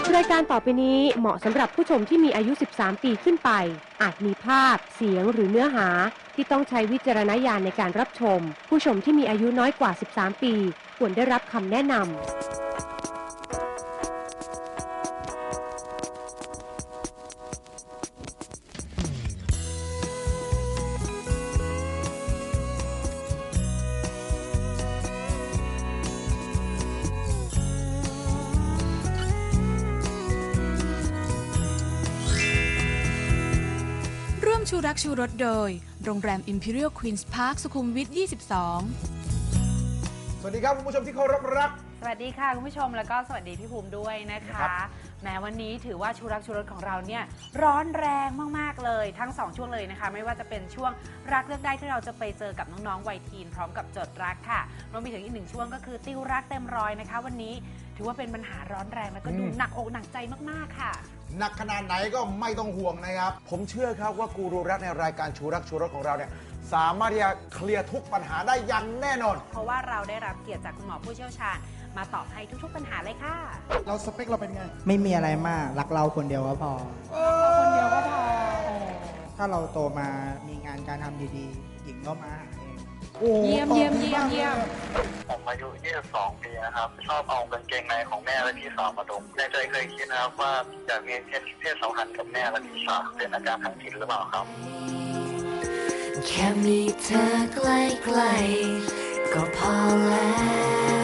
รายการต่อไปนี้เหมาะสำหรับผู้ชมที่มีอายุ 13 ปีขึ้นไป อาจมีภาพ เสียงหรือเนื้อหาที่ต้องใช้วิจารณญาณในการรับชม ผู้ชมที่มีอายุน้อยกว่า 13 ปีควรได้รับคำแนะนำชูรักชูรสโดยโรงแรม Imperial Queen's Park สุขุมวิท 22 สวัสดีครับคุณผู้ชมที่เคารพรักสวัสดีค่ะคุณผู้ชมแล้วก็สวัสดีพี่ภูมิด้วยนะคะแม้วันนี้ถือว่าชูรักชูรสของเราเนี่ยร้อนแรงมากๆเลยทั้ง2ช่วงเลยนะคะไม่ว่าจะเป็นช่วงรักเลือกได้ที่เราจะไปเจอกับน้องๆวัยทีนพร้อมกับจดรักค่ะรวมไปถึงอีก1ช่วงก็คือติวรักเต็มร้อยนะคะวันนี้ถือว่าเป็นปัญหาร้อนแรงแล้วก็ดูหนักอกหนักใจมากๆค่ะหนักขนาดไหนก็ไม่ต้องห่วงนะครับผมเชื่อครับว่ากูรูรักในรายการชูรักชูรสของเราเนี่ยสามารถที่จะเคลียร์ทุกปัญหาได้อย่างแน่นอนเพราะว่าเราได้รับเกียรติจากคุณหมอผู้เชี่ยวชาญมาตอบให้ทุกๆปัญหาเลยค่ะเราสเปคเราเป็นไงไม่มีอะไรมากรักเราคนเดียวก็พอคนเดียวก็พอถ้าเราโตมามีงานการทำดีๆหญิงก็มาหาเองเยี่ยมผมอายุ22 ปีนะครับชอบเอากางเกงในของแม่และพี่สาวมาดมในใจเคยคิดนะครับว่าอยากมีเพศสัมพันธ์กับแม่และพี่สาวเป็นอาการทางจิตหรือเปล่าครับแค่มีเธอใกล้ๆก็พอแล้ว